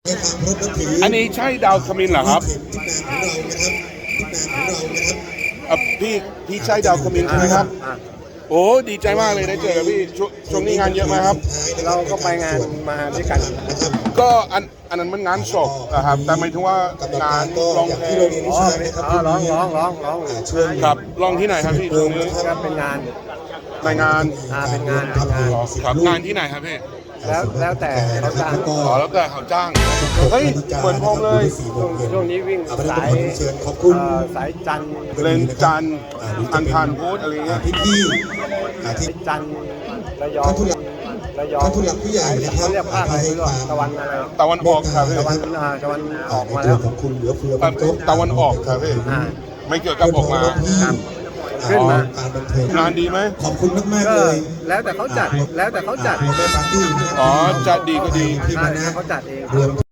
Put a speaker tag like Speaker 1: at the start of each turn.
Speaker 1: อันนี้ใช่ดาวขมิ้นเหรอครับพี่ใช่ดาวขมิ้นใช่ไหมครับโอ้ดีใจมากเลยได้เจอกับพี่ช่วงนี้งานเยอะไหมครับ
Speaker 2: เราก็ไปงานมาด้วยกัน
Speaker 1: ก็อันนั้นมันงานศพนะครับแต่หมายถึงว่างานร้องเพลง
Speaker 2: ร้อง
Speaker 1: ครับร้องที่ไหนครับพี่ช่วงนี้
Speaker 2: ก็เป็นงาน
Speaker 1: ในงาน
Speaker 2: เป็นงาน
Speaker 1: ครับงานที่ไหนครับพี่
Speaker 2: แล้วแต่เขาจ้าง
Speaker 1: แล้วแต่เขาจ้างเฮ้ยเหมือนผมเลย
Speaker 2: ช่วงนี้วิ่งสายจันทร์
Speaker 1: เลนจันทร์อังคารพุธอะไรเงี้ย
Speaker 3: ที่
Speaker 2: จันทร์ระยอง
Speaker 3: ท่านผู้หลักผู้ใหญ่นะครับ
Speaker 2: เขาเรียกภาคตะวันอะไร
Speaker 1: ตะวันออกครับพี่
Speaker 2: ตะวันออกมาแล้ว
Speaker 3: ของคุณเหลือเฟือ
Speaker 1: ตะวันออกครับพี่ไม่เกี่ยวกับออกมา
Speaker 2: ขึ้นมา
Speaker 1: งานดีไหม
Speaker 3: ขอบคุณมากๆเลย
Speaker 2: แล้วแต่เขาจัด
Speaker 3: ปาร์ตี้
Speaker 1: อ๋อจัดดีก็ดี
Speaker 2: เขาจัดเอง